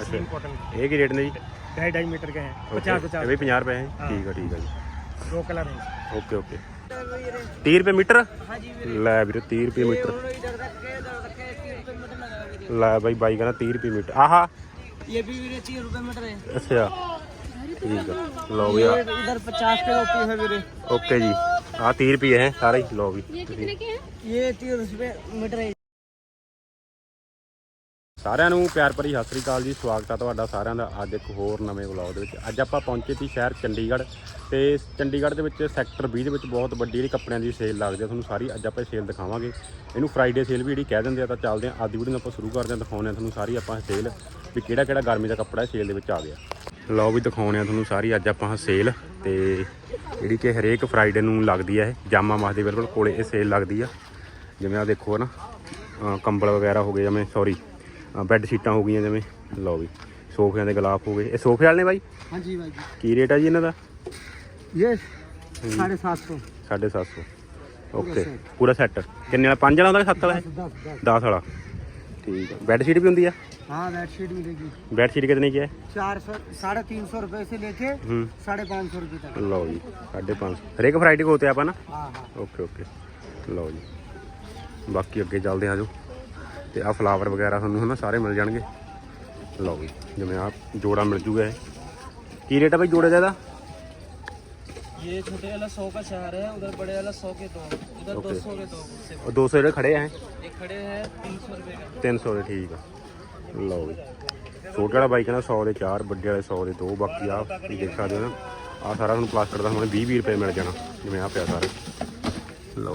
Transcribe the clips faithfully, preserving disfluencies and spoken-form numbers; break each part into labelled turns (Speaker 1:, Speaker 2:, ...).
Speaker 1: Muslin cotton
Speaker 2: ये की rate ने जी?
Speaker 1: ढाई ढाई मीटर के हैं, पचास पचास
Speaker 2: ये भी पचास रुपये हैं। ठीक है ठीक है जी,
Speaker 1: दो कलर हैं।
Speaker 2: Okay okay. तीस रुपये मीटर
Speaker 1: हाँ जी
Speaker 2: लै वीरे, तीस रुपये मीटर लै भाई। बाई कहना तीस रुपये मीटर। आहा
Speaker 1: ये भी वीरे तीस रुपए मीटर है।
Speaker 2: अच्छा ठीक है, लो भी
Speaker 1: इधर पचास के होती है वीरे।
Speaker 2: ओके जी। हाँ तीस रुपये हैं सारे ही, लो भी।
Speaker 1: ये कितने के हैं? ये तीस रुपए मीटर है।
Speaker 2: ਸਾਰਿਆਂ ਨੂੰ ਪਿਆਰ ਭਰੀ ਸਤਿ ਸ੍ਰੀ ਅਕਾਲ ਜੀ। ਸਵਾਗਤ ਹੈ ਤੁਹਾਡਾ ਸਾਰਿਆਂ ਦਾ ਅੱਜ ਇੱਕ ਹੋਰ ਨਵੇਂ ਵਲੌਗ ਦੇ ਵਿੱਚ। ਅੱਜ ਆਪਾਂ ਪਹੁੰਚੇ ਸੀ ਸ਼ਹਿਰ ਚੰਡੀਗੜ੍ਹ, ਤੇ ਚੰਡੀਗੜ੍ਹ ਦੇ ਵਿੱਚ ਸੈਕਟਰ ਵੀਹ ਦੇ ਵਿੱਚ ਬਹੁਤ ਵੱਡੀ ਜਿਹੜੀ ਕੱਪੜਿਆਂ ਦੀ ਸੇਲ ਲੱਗਦੀ ਹੈ। ਤੁਹਾਨੂੰ ਸਾਰੀ ਅੱਜ ਆਪਾਂ ਸੇਲ ਦਿਖਾਵਾਂਗੇ। ਇਹਨੂੰ ਫਰਾਈਡੇ ਸੇਲ ਵੀ ਜਿਹੜੀ ਕਹਿ ਦਿੰਦੇ ਆ। ਤਾਂ ਚੱਲਦੇ ਹਾਂ ਅੱਜ ਦੀ ਵੀਡੀਓ ਨੂੰ ਆਪਾਂ ਸ਼ੁਰੂ ਕਰਦੇ ਹਾਂ, ਦਿਖਾਉਂਦੇ ਹਾਂ ਤੁਹਾਨੂੰ ਸਾਰੀ ਆਪਾਂ ਸੇਲ ਵੀ ਕਿਹੜਾ ਕਿਹੜਾ ਗਰਮੀ ਦਾ ਕੱਪੜਾ ਸੇਲ ਦੇ ਵਿੱਚ ਆ ਗਿਆ। ਲਓ ਵੀ ਦਿਖਾਉਂਦੇ ਹਾਂ ਤੁਹਾਨੂੰ ਸਾਰੀ ਅੱਜ ਆਪਾਂ ਸੇਲ, ਤੇ ਜਿਹੜੀ ਕਿ ਹਰੇਕ ਫਰਾਈਡੇ ਨੂੰ ਲੱਗਦੀ ਹੈ। ਇਹ ਜਾਮਾ ਮਸਜਿਦ ਦੇ ਬਿਲਕੁਲ ਕੋਲੇ ਇਹ ਸੇਲ ਲੱਗਦੀ ਆ। ਜਿਵੇਂ ਆ ਦੇਖੋ ਨਾ, ਕੰਬਲ ਵਗੈਰਾ ਹੋ ਗਏ, ਜਿਵੇਂ ਸੌਰੀ ਬੈੱਡ ਸ਼ੀਟਾਂ ਹੋ ਗਈਆਂ, ਜਿਵੇਂ ਲਓ ਵੀ ਸੋਫਿਆਂ ਦੇ ਗਲਾਫ ਹੋ ਗਏ। ਇਹ ਸੋਫੇ ਵਾਲੇ ਨੇ ਬਾਈ?
Speaker 1: ਹਾਂਜੀ ਬਾਈ ਜੀ।
Speaker 2: ਕੀ ਰੇਟ ਹੈ ਜੀ ਇਹਨਾਂ ਦਾ?
Speaker 1: ਇਹ ਸਾਢੇ ਸੱਤ ਸੌ।
Speaker 2: ਸਾਢੇ ਸੱਤ ਸੌ ਓਕੇ। ਪੂਰਾ ਸੈੱਟ ਕਿੰਨੇ ਵਾਲਾ? ਪੰਜ ਵਾਲਾ ਹੁੰਦਾ ਕਿ ਸੱਤ ਵਾਲਾ? ਦਸ ਵਾਲਾ। ਠੀਕ ਹੈ। ਬੈੱਡ ਸ਼ੀਟ ਵੀ ਹੁੰਦੀ ਆ?
Speaker 1: हाँ बेड शीट मिलेगी।
Speaker 2: बेड शीट कितने की है?
Speaker 1: चार सौ साढ़े तीन सौ रुपए से लेके साढ़े पाँच सौ रुपए तक।
Speaker 2: लो जी साढ़े पाँच सौ हरेक वैरायटी को होते हैं आप ना?
Speaker 1: हाँ हाँ
Speaker 2: ओके ओके। लो जी बाकी अगे चलते हैं जो, तो आ फ्लावर वगैरह थानू है ना सारे मिल जाएंगे। लो जी जिमें आप जोड़ा मिल जूगा। की रेट है भाई जोड़े का?
Speaker 1: ये छोटे वाला सौ का चार है, उधर बड़े वाला सौ के दो, उधर दो सौ के दो।
Speaker 2: और दो सौ खड़े हैं?
Speaker 1: एक खड़े हैं तीन सौ रुपए का।
Speaker 2: तीन सौ के ठीक है। लो जी छोटे वाला बाइक है ना सौ के चार, बड़े वाले सौ के दो। बाकी आप देख सकते हो ना, आ सारा थोड़ा प्लास्टिक का हमें भी भी रुपये मिल जाना जिमें आ पाया सारे। लो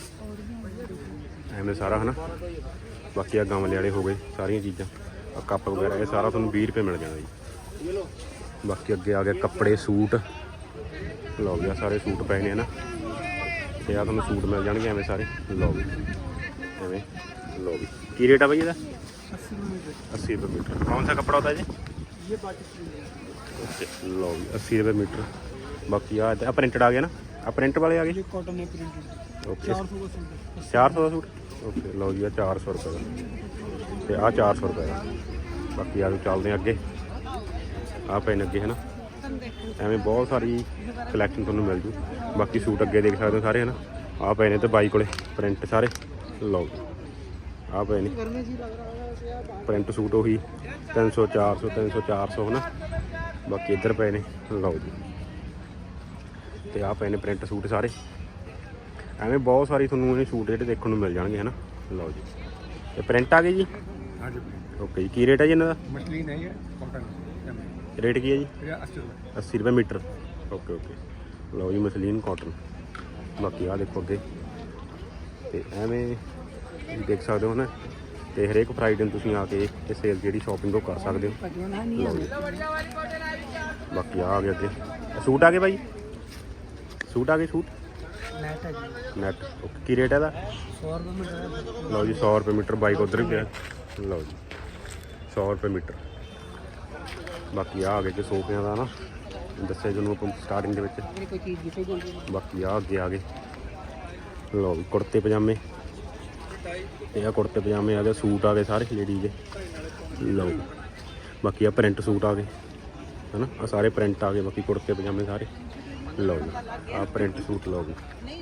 Speaker 2: एवं सारा है ना। बाकी आ गमले वाले हो गए, सारिया चीज़ा कप वगैरह ये सारा थोड़ा भी रुपये मिल जाना जी। बाकी अगे आ गए कपड़े सूट। लो भी आ सारे सूट पे ने है ना, तो आ थोड़ा सूट मिल जाएंगे एवं सारे। लो भी एवं लो भी। की रेट है भाई ये? अस्सी रुपये मीटर। कौन सा कपड़ा होता है जी?
Speaker 1: ये पाकिस्तानी।
Speaker 2: लो भी अस्सी रुपये मीटर। बाकी आ प्रिंटेड आ गया ना, आ प्रिंट वाले आ गए।
Speaker 1: कॉटन है प्रिंटेड।
Speaker 2: ओके
Speaker 1: चार सौ का सूट।
Speaker 2: चार सौ का सूट ओके। लो जी आ चार सौ रुपये का, तो आ चार सौ रुपये का। बाकी आ चलते हैं अगे, आ पेन अगे है ना, एवं बहुत सारी कलैक्शन थोड़ा मिल जू। बाकी सूट अगे देख सकते हो सारे है ना, आ पे ने तो बाई को प्रिंट सारे। लो आ पे ने प्रिंट सूट उही तीन सौ चार सौ तीन सौ चार सौ है ना। बाकी इधर पे ने लो जी, तो आ पे ने प्रिंट सूट सारे एवं बहुत सारी थोड़ा सूट जो देखने मिल जाएंगे है ना। लो जी ये प्रिंट आ गए जी।
Speaker 1: हाँ जी
Speaker 2: ओके जी। की रेट है जी इन्हों का?
Speaker 1: मछली नहीं है, कॉटन।
Speaker 2: रेट की है जी?
Speaker 1: अस्सी रुपये।
Speaker 2: अस्सी रुपये मीटर। Okay okay. लो जी मसलीन कॉटन। बाकी आ देखो अगे, तो एवं देख सकते हो ना, तो हरेक फ्राइडे तुम आके ये सेल जी शॉपिंग वो कर सकते हो। बाकी आ गए अगे सूट आ गए भाई, सूट आ गए सूट नैट। ओके की रेट है दा?
Speaker 1: सौ रुपये मीटर।
Speaker 2: लो जी सौ रुपये मीटर। बाइक उधर ही गया। लो जी सौ रुपये मीटर। बाकी आ गए कि सोफिया का ना दसिया जो स्टार्टिंग के। बाकी आ अगे आ गए लो भी कुर्ते पजामे, ये कुर्ते पजामे आ गए, सूट आ गए सारे लेडीज के। लो बाकी आ प्रिंट सूट आ गए है ना, आ सारे प्रिंट आ गए। बाकी कुर्ते पजामे सारे। लो जी आ प्रिंट सूट। लो भी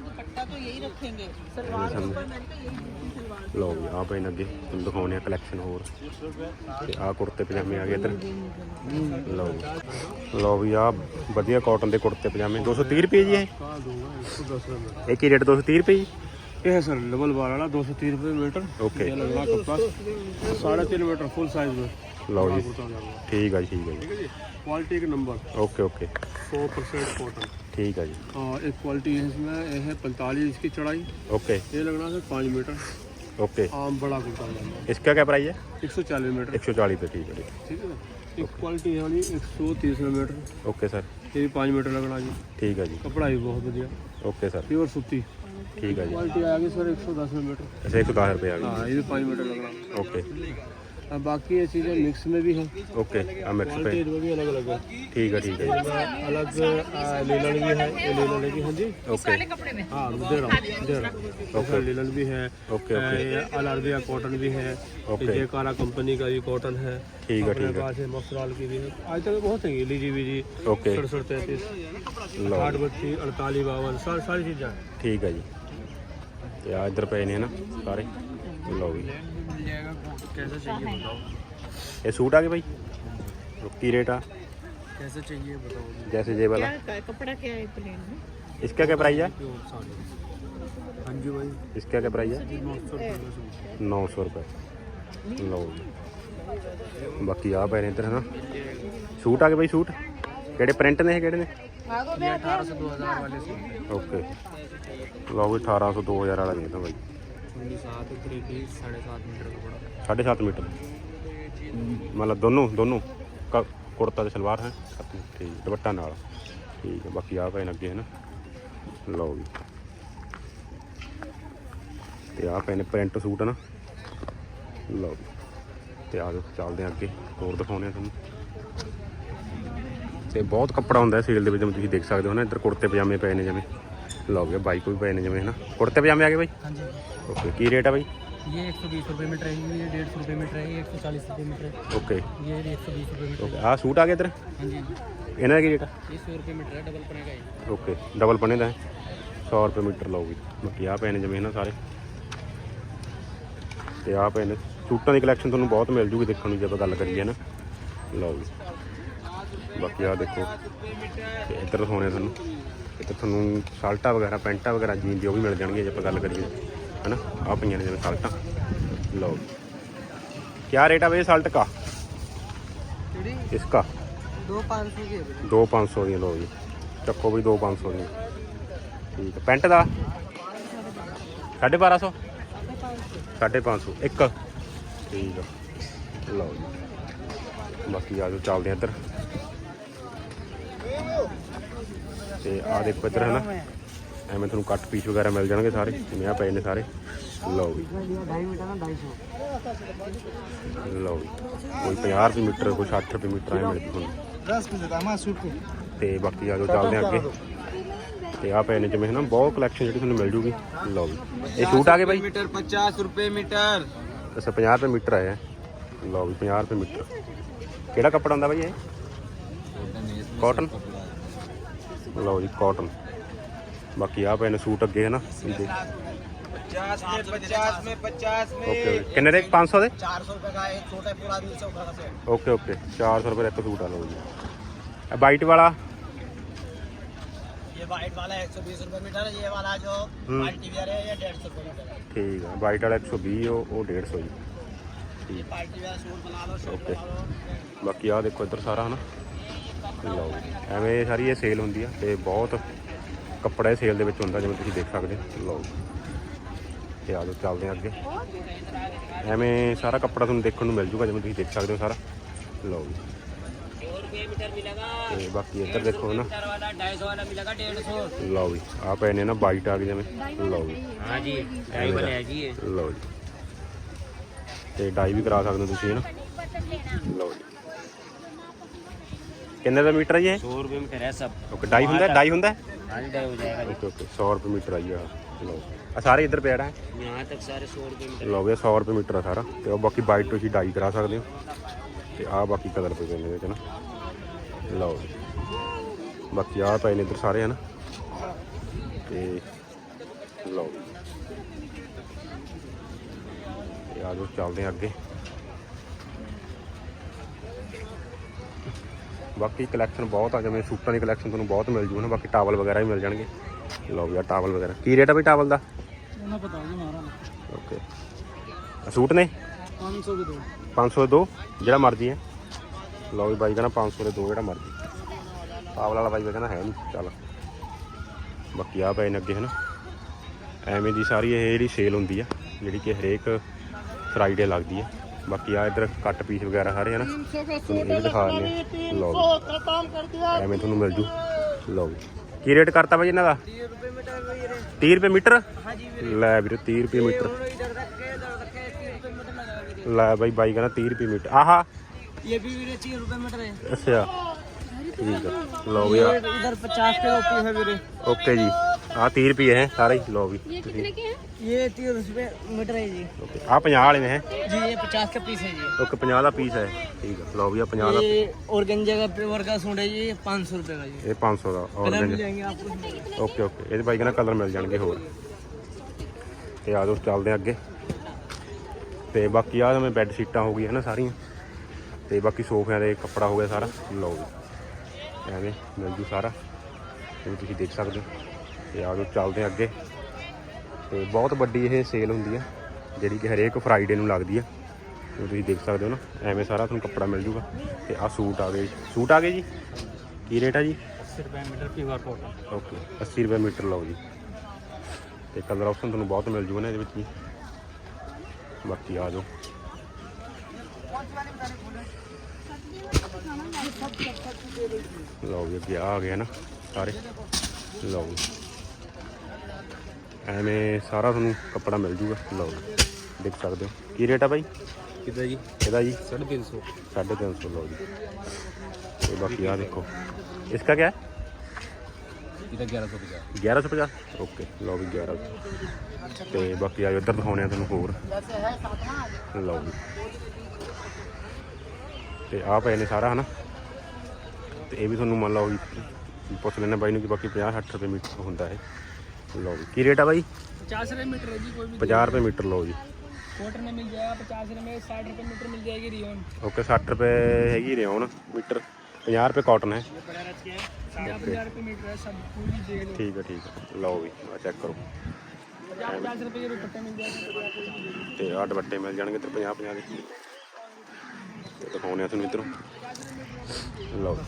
Speaker 2: लो भी आ पे अगे तुम दिखाने कलैक्शन होर, आ कुर्ते पजामे आ गए इधर। लो लो भी आ वधिया कॉटन के कुर्ते पजामे दो सौ तीह रुपये जी। एक ही रेट दो सौ तीह रुपये जी?
Speaker 1: ये है सर डबल बार वाला दो सौ तीस रुपये मीटर।
Speaker 2: ओके
Speaker 1: लगना कपड़ा साढ़े तीन मीटर फुल साइज में।
Speaker 2: लो जी ठीक है जी, ठीक है जी।
Speaker 1: क्वालिटी के नंबर।
Speaker 2: ओके ओके
Speaker 1: सौ परसेंट कॉटन।
Speaker 2: ठीक है जी।
Speaker 1: हाँ एक क्वालिटी है इसमें, ये है पैंतालीस की चढ़ाई।
Speaker 2: ओके
Speaker 1: ये लगना है पाँच मीटर।
Speaker 2: ओके
Speaker 1: आम बड़ा कुर्ता लगना।
Speaker 2: इसका क्या प्राइस है?
Speaker 1: एक सौ चालीस मीटर।
Speaker 2: एक सौ चालीस पे। ठीक है
Speaker 1: ठीक है। एक क्वालिटी है वाली एक सौ तीस मीटर।
Speaker 2: Okay sir.
Speaker 1: ये भी पाँच मीटर लगना जी।
Speaker 2: ठीक है जी।
Speaker 1: कपड़ा भी बहुत बढ़िया।
Speaker 2: ओके सर
Speaker 1: प्योर सूती।
Speaker 2: ठीक है जी।
Speaker 1: क्वालिटी आ गई सर एक सौ दस मीटर।
Speaker 2: अच्छा एक सौ दस रुपये आ गए।
Speaker 1: हाँ ये भी पाँच मीटर लगना।
Speaker 2: ओके
Speaker 3: अब बाकी ये चीज़ें मिक्स में भी है,
Speaker 2: ओके आ मिक्स पे
Speaker 3: क्वालिटी में भी अलग अलग है।
Speaker 2: ठीक है ठीक है
Speaker 3: अलग लीलन भी है, ये लीलन की, हाँ जी
Speaker 2: ओके
Speaker 3: हाँ दे रहा हूँ दे रहा हूँ ओके। लीलन भी है,
Speaker 2: ओके ओके
Speaker 3: ये अल अरबिया कॉटन भी है,
Speaker 2: ओके।
Speaker 3: ये कारा कंपनी का भी कॉटन है,
Speaker 2: ठीक है
Speaker 3: अपने
Speaker 2: ठीक है
Speaker 3: पास है मफराल की भी है। आज तक बहुत है, लीजी बीजी
Speaker 2: ओके
Speaker 3: सड़सठ तैंतीस
Speaker 2: लो
Speaker 3: आठ बत्ती अड़तालीस बावन सारी सारी चीज़ें हैं।
Speaker 2: ठीक है जी ਤੇ ਆ ਇੱਧਰ ਪਏ ਨੇ ਨਾ ਸਾਰੇ ਲਓ ਜੀ
Speaker 1: कैसा चाहिए बताओ,
Speaker 2: ਇਹ ਸੂਟ ਆ ਗਏ ਭਾਈ ਕੀ रेट आ
Speaker 1: कैसे चाहिए बताओ।
Speaker 2: जैसे ये वाला
Speaker 4: कपड़ा क्या है प्लेन में?
Speaker 2: इसका क्या प्राइस है
Speaker 1: हाँ जी भाई,
Speaker 2: इसका क्या प्राइस है नौ सौ रुपये लो बाकी आ पे ने इधर है ना सूट आ गए भाई सूट ਕਿਹੜੇ ਪ੍ਰਿੰਟ ਨੇ ਇਹ ਕਿਹੜੇ ਨੇ
Speaker 1: ये अठारह से दो हज़ार वाले सूट,
Speaker 2: ਓਕੇ ਲਓ ਵੀ ਅਠਾਰਾਂ ਸੌ ਦੋ ਹਜ਼ਾਰ ਵਾਲਾ ਨਹੀਂ ਤਾਂ ਭਾਈ
Speaker 1: उन्नीस सात थ्री पीस साढ़े सात मीटर कपड़ा।
Speaker 2: साढ़े सात मीटर मतलब दोनों दोनों का कुर्ता ਤੇ ਸਲਵਾਰ ਹੈ ਠੀਕ ਦੁਪੱਟਾ ਨਾਲ ਠੀਕ ਹੈ ਬਾਕੀ ਆ ਪੈਨ ਅੱਗੇ ਹੈ ਨਾ ਲਓ ਵੀ ਤੇ ਆ ਪੈਨ ਪ੍ਰਿੰਟ ਸੂਟ ਹੈ ਨਾ ਲਓ ਵੀ ਤੇ ਆ ਜਾਓ ਚੱਲਦੇ ਆ ਅੱਗੇ ਹੋਰ ਦਿਖਾਉਂਦੇ ਆ ਤੁਹਾਨੂੰ ਤੇ ਬਹੁਤ ਕੱਪੜਾ ਹੁੰਦਾ ਸੇਲ ਦੇ ਵਿੱਚ ਜਿਵੇਂ ਤੁਸੀਂ ਦੇਖ ਸਕਦੇ ਹੋ ਨਾ ਇੱਧਰ ਕੁੜਤੇ ਪਜਾਮੇ ਪਏ ਨੇ ਜਿਵੇਂ ਲਓ ਵੀ ਬਾਈਕ ਵੀ ਪਏ ਨੇ ਜਿਵੇਂ ਹੈ ਨਾ ਕੁੜਤੇ ਪਜਾਮੇ ਆ ਗਏ ਬਾਈ
Speaker 1: हाँ जी,
Speaker 2: ਓਕੇ ਕੀ ਰੇਟ ਆ ਬਾਈ
Speaker 1: ये एक सौ बीस रुपये मीटर है, ये डेढ़ सौ रुपये मीटर है, ये एक सौ चालीस रुपये मीटर है,
Speaker 2: ਓਕੇ
Speaker 1: ये एक सौ बीस रुपये मीटर
Speaker 2: ਓਕੇ ਆ ਸੂਟ ਆ ਗਿਆ ਇੱਧਰ
Speaker 1: है। हाँ जी,
Speaker 2: ਇਹਨਾਂ ਦਾ ਕੀ ਰੇਟ ਆ
Speaker 1: ये सौ रुपये मीटर है, डबल पड़ेगा ये।
Speaker 2: ਓਕੇ ਡਬਲ ਪਣੇ ਦਾ ਸੌ ਰੁਪਏ ਮੀਟਰ ਲਊਗੀ ਬਾਕੀ ਆ ਪਏ ਨੇ ਜਿਵੇਂ ਨਾ ਸਾਰੇ ਤੇ ਆ ਪਏ ਨੇ ਸੂਟਾਂ ਦੀ ਕਲੈਕਸ਼ਨ ਤੁਹਾਨੂੰ ਬਹੁਤ ਮਿਲ ਜੂਗੀ ਦੇਖਣ ਨੂੰ ਜੇ ਆਪਾਂ ਗੱਲ ਕਰੀਏ ਨਾ ਲਓ ਜੀ ਬਾਕੀ ਆ ਦੇਖੋ ਤੇ ਇੱਧਰ ਦਿਖਾਉਣੇ ਤੁਹਾਨੂੰ ਇੱਧਰ ਤੁਹਾਨੂੰ ਸ਼ਰਟਾਂ ਵਗੈਰਾ ਪੈਂਟਾਂ ਵਗੈਰਾ ਜੀਨ ਦੀ ਉਹ ਵੀ ਮਿਲ ਜਾਣਗੀਆਂ ਜੇ ਆਪਾਂ ਗੱਲ ਕਰੀਏ है ना आ पे ने जिवें साल्टा लो क्या रेट है भाई साल्ट का इसका
Speaker 1: दो पाँच सौ के
Speaker 2: दो पाँच सौ दी लो जी चक्को भी दो पाँच सौ दी ठीक है पेंट का साढ़े बारह सौ साढ़े पाँच सौ एक ठीक है लो जी बाकी आ जाओ चलते हैं इधर ते आ देखो इधर है ना ਐਵੇਂ ਤੁਹਾਨੂੰ ਕੱਟ ਪੀਸ ਵਗੈਰਾ ਮਿਲ ਜਾਣਗੇ ਸਾਰੇ ਜਿਵੇਂ ਆ ਪਏ ਨੇ ਸਾਰੇ ਲਓ ਵੀ
Speaker 1: ढाई मीटर ना ढाई सौ।
Speaker 2: ਲਓ ਵੀ ਕੋਈ ਪੰਜਾਹ ਰੁਪਏ ਮੀਟਰ ਕੋਈ ਸੱਠ ਰੁਪਏ ਮੀਟਰ ਐ ਮਿਲ ਜੂ ਤੁਹਾਨੂੰ ਤੇ ਬਾਕੀ ਆ ਜਾਓ ਚੱਲਦੇ ਆ ਅੱਗੇ ਤੇ ਆ ਪਏ ਨੇ ਜਿਵੇਂ ਨਾ ਬਹੁਤ ਕਲੈਕਸ਼ਨ ਜਿਹੜੀ ਤੁਹਾਨੂੰ ਮਿਲ ਜੂਗੀ ਲਓ ਵੀ ਇਹ ਸੂਟ ਆ ਗਏ ਬਾਈ
Speaker 1: मीटर पचास रुपये मीटर।
Speaker 2: ਅੱਛਾ ਪੰਜਾਹ ਰੁਪਏ ਮੀਟਰ ਆਇਆ ਲਓ ਵੀ ਪੰਜਾਹ ਰੁਪਏ ਮੀਟਰ ਕਿਹੜਾ ਕੱਪੜਾ ਹੁੰਦਾ ਬਾਈ ਇਹ ਕਾਟਨ ਲਓ ਜੀ ਕਾਟਨ ਬਾਕੀ ਆ ਪਏ ਨੇ ਸੂਟ ਅੱਗੇ ਹੈ ਨਾ
Speaker 1: पचास में पचास में पचास में
Speaker 2: ਓਕੇ ਕਿੰਨੇ ਦੇ ਪੰਜ ਸੌ ਦੇ
Speaker 1: चार सौ रुपये का एक छोटा पूरा आदमी सौ का सेट।
Speaker 2: ਓਕੇ ਓਕੇ ਚਾਰ ਸੌ ਰੁਪਏ ਦਾ ਇੱਕ ਸੂਟ ਆ ਲਓ ਜੀ ਇਹ ਵਾਈਟ ਵਾਲਾ
Speaker 1: ये वाइट वाला एक सौ बीस रुपये मीटर है, ये वाला जो पार्टी वेयर है ये डेढ़ सौ रुपये मीटर है।
Speaker 2: ਠੀਕ ਆ ਵਾਈਟ ਵਾਲਾ ਇੱਕ ਸੌ ਵੀਹ ਉਹ ਉਹ ਡੇਢ ਸੌ ਜੀ
Speaker 1: ये पार्टी वेयर सूट बना लो, शर्ट
Speaker 2: ਓਕੇ
Speaker 1: बना लो।
Speaker 2: ਬਾਕੀ ਆ ਦੇਖੋ ਇੱਧਰ ਸਾਰਾ ਹਨਾ ਲਓ ਐਵੇਂ ਸਾਰੀ ਇਹ ਸੇਲ ਹੁੰਦੀ ਆ ਤੇ ਬਹੁਤ ਕੱਪੜਾ ਇਹ ਸੇਲ ਦੇ ਵਿੱਚ ਹੁੰਦਾ ਜਿਵੇਂ ਤੁਸੀਂ ਦੇਖ ਸਕਦੇ ਹੋ ਲਓ ਤੇ ਆ ਜਾਓ ਚੱਲਦੇ ਆ ਅੱਗੇ ਐਵੇਂ ਸਾਰਾ ਕੱਪੜਾ ਤੁਹਾਨੂੰ ਦੇਖਣ ਨੂੰ ਮਿਲ ਜੂਗਾ ਜਿਵੇਂ ਤੁਸੀਂ ਦੇਖ ਸਕਦੇ ਹੋ ਸਾਰਾ ਲਓ ਤੇ ਬਾਕੀ ਇੱਧਰ ਦੇਖੋ ਨਾ
Speaker 1: ढाई सौ वाला मिलेगा डेढ़ सौ।
Speaker 2: ਲਓ ਜੀ ਆ ਪਏ ਨੇ ਨਾ ਵਾਈਟ ਆ ਗਏ ਜਿਵੇਂ ਲਓ ਜੀ
Speaker 1: हाँ जी, ढाई वाले है जी ये।
Speaker 2: ਲਓ ਜੀ ਤੇ ਡਾਈ ਵੀ ਕਰਾ ਸਕਦੇ ਹੋ ਤੁਸੀਂ ਨਾ ਲਓ ਜੀ ਕਿੰਨੇ ਦਾ ਮੀਟਰ ਹੈ ਜੀ ਇਹ
Speaker 1: सौ रुपये मीटर है सब।
Speaker 2: ਓਕੇ ਡਾਈ ਹੁੰਦਾ ਡਾਈ ਹੁੰਦਾ
Speaker 1: हाँ जी, ढाई हो जाएगा जी।
Speaker 2: ਓਕੇ ਓਕੇ ਸੌ ਰੁਪਏ ਮੀਟਰ ਆਈ ਆ ਲਓ ਆ ਸਾਰੇ ਇੱਧਰ ਪਿਆ ਹੈ
Speaker 1: यहाँ तक सारे सौ रुपये मीटर।
Speaker 2: ਲਓ ਵੀ ਸੌ ਰੁਪਏ ਮੀਟਰ ਆ ਸਾਰਾ ਤੇ ਉਹ ਬਾਕੀ ਵਾਈਟ ਤੁਸੀਂ ਡਾਈ ਕਰਾ ਸਕਦੇ ਹੋ ਤੇ ਆ ਬਾਕੀ ਕਲਰ ਪਏ ਨੇ ਇਹਦੇ ਵਿੱਚ ਨਾ ਲਓ ਜੀ ਬਾਕੀ ਆ ਪਏ ਨੇ ਇੱਧਰ ਸਾਰੇ ਹਨ ਤੇ ਲਓ ਜੀ ਤੇ ਆ ਜਾਓ ਚੱਲਦੇ ਆ ਅੱਗੇ ਬਾਕੀ ਕਲੈਕਸ਼ਨ ਬਹੁਤ ਆ ਜਿਵੇਂ ਸੂਟਾਂ ਦੀ ਕਲੈਕਸ਼ਨ ਤੁਹਾਨੂੰ ਬਹੁਤ ਮਿਲ ਜੂ ਨਾ ਬਾਕੀ ਟਾਵਲ ਵਗੈਰਾ ਵੀ ਮਿਲ ਜਾਣਗੇ ਲਓ ਵੀ ਆ ਟਾਵਲ ਵਗੈਰਾ ਕੀ ਰੇਟ ਆ ਬਈ ਟਾਵਲ ਦਾ
Speaker 1: ना पता जी हमारा
Speaker 2: ਓਕੇ ਸੂਟ ਨੇ
Speaker 1: पाँच सौ के दो।
Speaker 2: ਪੰਜ ਸੌ ਦੇ ਦੋ ਜਿਹੜਾ ਮਰਜ਼ੀ ਹੈ ਲਓ ਵੀ ਬਾਈ ਕਹਿੰਦਾ ਪੰਜ ਸੌ ਦੇ ਦੋ ਜਿਹੜਾ ਮਰਜ਼ੀ ਟਾਵਲ ਵਾਲਾ ਬਾਈ ਕਹਿੰਦਾ ਹੈ ਨਹੀਂ ਚੱਲ ਬਾਕੀ ਆ ਪਏ ਨੇ ਅੱਗੇ ਹਨ ਐਵੇਂ ਦੀ ਸਾਰੀ ਇਹ ਜਿਹੜੀ ਸੇਲ ਹੁੰਦੀ ਆ ਜਿਹੜੀ ਕਿ ਹਰੇਕ ਫਰਾਈਡੇ ਲੱਗਦੀ ਹੈ ਬਾਕੀ ਆ ਇੱਧਰ ਕੱਟ ਪੀਸ ਵਗੈਰਾ ਸਾਰੇ ਹਨ ਤੁਹਾਨੂੰ ਇਹ ਵੀ ਦਿਖਾ ਦਿੰਦੇ ਲਓ ਐਵੇਂ ਤੁਹਾਨੂੰ ਮਿਲ ਜੂ ਲਓ ਕੀ ਰੇਟ ਕਰਤਾ ਬਾਈ ਇਹਨਾਂ ਦਾ ਤੀਹ ਰੁਪਏ ਮੀਟਰ ਲੈ ਵੀਰੇ ਤੀਹ ਰੁਪਏ ਮੀਟਰ ਲੈ ਬਾਈ ਬਾਈ ਕਹਿੰਦਾ तीस रुपये मीटर ਆਹਾ
Speaker 1: ये भी वीरे तीस रुपए मीटर है।
Speaker 2: ਅੱਛਾ ਠੀਕ ਆ ਲਓ ਵੀ
Speaker 1: ये इधर पचास के रुपये है वीरे।
Speaker 2: ਓਕੇ ਜੀ ਆਹ तीस रुपये ਹੈ ਸਾਰੇ ਹੀ ਲਓ ਵੀ
Speaker 4: ये कितने के हैं?
Speaker 1: ये तीस रुपए मीटर है जी।
Speaker 2: ਓਕੇ ਆਹ ਪੰਜਾਹ ਵਾਲੇ ਨੇ ਹੈ
Speaker 1: जी ये पचास का पीस है जी।
Speaker 2: ਓਕੇ ਪੰਜਾਹ ਦਾ ਪੀਸ ਹੈ ਠੀਕ ਆ ਲਓ ਵੀ ਆ ਪੰਜਾਹ ਦਾ
Speaker 1: ये ऑर्गेंजा का पेवर का सूट है जी, ये पाँच सौ रुपए का जी।
Speaker 2: ਇਹ ਪੰਜ ਸੌ ਦਾ
Speaker 1: कलर मिल
Speaker 2: ਔਰ
Speaker 1: जाएंगे आपको।
Speaker 2: ਓਕੇ ਓਕੇ ਇਹਦੇ ਬਾਈ ਕਹਿੰਦਾ ਕਲਰ ਮਿਲ ਜਾਣਗੇ ਹੋਰ ਤੇ ਆ ਜਾਓ ਚੱਲਦੇ ਹਾਂ ਅੱਗੇ ਤੇ ਬਾਕੀ ਆ ਜਿਵੇਂ ਬੈੱਡ ਸ਼ੀਟਾਂ ਹੋ ਗਈਆਂ ਨਾ ਸਾਰੀਆਂ ਤੇ ਬਾਕੀ ਸੋਫਿਆਂ ਦੇ ਕੱਪੜਾ ਹੋ ਗਿਆ ਸਾਰਾ ਲਓ ਜੀ ਐਵੇਂ ਮਿਲ ਜੂ ਸਾਰਾ ਜਿਵੇਂ ਤੁਸੀਂ ਦੇਖ ਸਕਦੇ ਹੋ ਤੇ ਆ ਜਾਓ ਚੱਲਦੇ ਹਾਂ ਅੱਗੇ ਤੇ ਬਹੁਤ ਵੱਡੀ ਇਹ ਸੇਲ ਹੁੰਦੀ ਆ ਜਿਹੜੀ ਕਿ ਹਰੇਕ ਫਰਾਈਡੇ ਨੂੰ ਲੱਗਦੀ ਆ ਜਿਵੇਂ ਤੁਸੀਂ ਦੇਖ ਸਕਦੇ ਹੋ ਨਾ ਐਵੇਂ ਸਾਰਾ ਤੁਹਾਨੂੰ ਕੱਪੜਾ ਮਿਲ ਜੂਗਾ ਤੇ ਆ ਸੂਟ ਆ ਗਏ ਸੂਟ ਆ ਗਏ ਜੀ ਕੀ ਰੇਟ ਆ ਜੀ
Speaker 1: अस्सी रुपए मीटर प्योर कॉटन।
Speaker 2: ਓਕੇ अस्सी रुपये ਮੀਟਰ ਲਓ ਜੀ ਤੇ ਕਲਰ ਆਪਸ਼ਨ ਤੁਹਾਨੂੰ ਬਹੁਤ ਮਿਲ ਜੂਗਾ ਨਾ ਇਹਦੇ ਵਿੱਚ ਜੀ ਬਾਕੀ ਆ ਜਾਓ ਲਓ ਜੀ ਅੱਗੇ ਆ ਗਿਆ ਨਾ ਸਾਰੇ ਲਓ ਜੀ ਐਵੇਂ ਸਾਰਾ ਤੁਹਾਨੂੰ ਕੱਪੜਾ ਮਿਲ ਜੂਗਾ ਲਓ ਜੀ ਦੇਖ ਸਕਦੇ ਹੋ ਕੀ ਰੇਟ ਆ ਬਾਈ
Speaker 3: कितना जी?
Speaker 2: ਇਹਦਾ ਜੀ
Speaker 3: साढ़े तीन सौ।
Speaker 2: साढ़े तीन सौ लो जी तो बाकी यहाँ देखो इसका क्या है
Speaker 3: इधर ग्यारह सौ पचास।
Speaker 2: ग्यारह सौ पचास ओके लो भी ग्यारह सौ तो बाकी आज उधर दिखाने तुम होर लो जी तो आ पे ने सारा है ना तो ये भी थोड़ा मान लो भी पुछ लेना बाई कि बाकी पचास सठ रुपये मीटर होंगे है लो जी की रेट है बाई
Speaker 1: पचास रुपए मीटर है जी। कोई भी
Speaker 2: पचास रुपये मीटर लो जी
Speaker 1: कॉटन में मिल जाएगा पचास रुपए में, साठ रुपए मीटर मिल जाएगी रियोन।
Speaker 2: ओके सठ रुपये हैगी रेन मीटर पचास रुपये कॉटन है
Speaker 1: ये बड़ा रच के है साढ़े पचास रुपए मीटर है सब पूरी जेल।
Speaker 2: ठीक है ठीक है लो भी आ चेक करो
Speaker 1: पचास पचास रुपए के दुपट्टे मिल जाएंगे।
Speaker 2: ਤੇ ਆਹ ਦੁਪੱਟੇ ਮਿਲ ਜਾਣਗੇ ਤੇ ਪੰਜਾਹ ਪੰਜਾਹ ਦੇ ਤੇ ਦਿਖਾਉਂਦੇ ਆ ਤੁਹਾਨੂੰ ਇਧਰੋਂ ਲਓ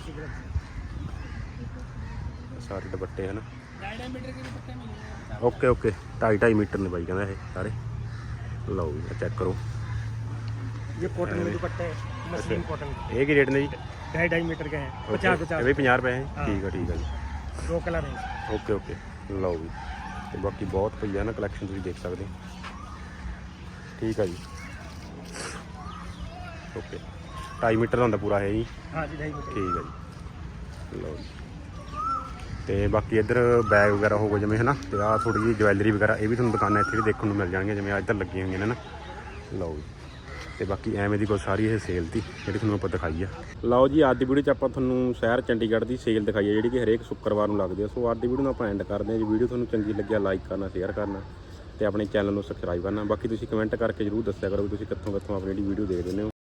Speaker 2: ਸਾਰੇ ਦੁਪੱਟੇ ਹਨ
Speaker 1: ढाई ढाई मीटर के दुपट्टे मिल जाएंगे।
Speaker 2: ਓਕੇ ਓਕੇ ਢਾਈ ਢਾਈ ਮੀਟਰ ਨੇ ਬਾਈ ਕਹਿੰਦਾ ਇਹ ਸਾਰੇ ਲਓ ਜੀ ਚੈੱਕ ਕਰੋ
Speaker 1: ये कॉटन में दुपट्टे मसलिन कॉटन
Speaker 2: ਇਹ ਕੀ ਰੇਟ ਨੇ ਜੀ
Speaker 1: ढाई ढाई मीटर के हैं।
Speaker 2: ਪਚਾਸ ਪਚਾਸ ਇਹ ਵੀ ਪੰਜਾਹ ਰੁਪਏ ਹੈ ਠੀਕ ਆ ਠੀਕ ਆ ਜੀ
Speaker 1: दो कलर है।
Speaker 2: ਓਕੇ ਓਕੇ ਲਓ ਜੀ ਤੇ ਬਾਕੀ ਬਹੁਤ ਪਈ ਆ ਨਾ ਕਲੈਕਸ਼ਨ ਤੁਸੀਂ ਦੇਖ ਸਕਦੇ ਹੋ ਠੀਕ ਆ ਜੀ ਓਕੇ ਢਾਈ ਮੀਟਰ ਦਾ ਹੁੰਦਾ ਪੂਰਾ ਹੈ ਜੀ
Speaker 1: हाँ जी ढाई मीटर।
Speaker 2: ਠੀਕ ਆ ਜੀ ਲਓ ਜੀ ਤੇ ਬਾਕੀ ਇੱਧਰ ਬੈਗ ਵਗੈਰਾ ਹੋ ਗਏ ਜਿਵੇਂ ਹੈ ਨਾ ਤੇ ਆਹ ਥੋੜੀ ਜਿਹੀ ਜਵੈਲਰੀ ਵਗੈਰਾ ਇਹ ਵੀ ਤੁਹਾਨੂੰ ਦੁਕਾਨਾਂ ਇੱਥੇ ਵੀ ਦੇਖਣ ਨੂੰ ਮਿਲ ਜਾਣਗੀਆਂ ਜਿਵੇਂ ਇੱਧਰ ਲੱਗੀਆਂ ਹੋਈਆਂ ਨੇ ਨਾ ਲਓ ਜੀ ਤੇ ਬਾਕੀ ਐਵੇਂ ਦੀ ਕੋਈ ਸਾਰੀ ਇਹ ਸੇਲ ਤੀ ਜਿਹੜੀ ਤੁਹਾਨੂੰ ਆਪਾਂ ਦਿਖਾਈ ਆ ਲਓ ਜੀ ਅੱਜ ਦੀ ਵੀਡੀਓ 'ਚ ਆਪਾਂ ਤੁਹਾਨੂੰ ਸ਼ਹਿਰ ਚੰਡੀਗੜ੍ਹ ਦੀ ਸੇਲ ਦਿਖਾਈ ਆ ਜਿਹੜੀ ਕਿ ਹਰੇਕ ਸ਼ੁੱਕਰਵਾਰ ਨੂੰ ਲੱਗਦੀ ਆ ਸੋ ਅੱਜ ਦੀ ਵੀਡੀਓ ਨੂੰ ਆਪਾਂ ਐਂਡ ਕਰਦੇ ਹਾਂ ਜੀ ਵੀਡੀਓ ਤੁਹਾਨੂੰ ਚੰਗੀ ਲੱਗਿਆ ਲਾਈਕ ਕਰਨਾ ਸ਼ੇਅਰ ਕਰਨਾ ਤੇ ਆਪਣੇ ਚੈਨਲ ਨੂੰ ਸਬਸਕ੍ਰਾਈਬ ਕਰਨਾ ਬਾਕੀ ਤੁਸੀਂ ਕਮੈਂਟ ਕਰਕੇ ਜਰੂਰ ਦੱਸਿਆ ਕਰੋ ਵੀ ਤੁਸੀਂ ਕਿੱਥੋਂ ਕਿੱਥੋਂ ਆਪਣੀ ਜਿਹੜੀ ਵੀਡੀਓ ਦੇਖਦੇ ਹੋ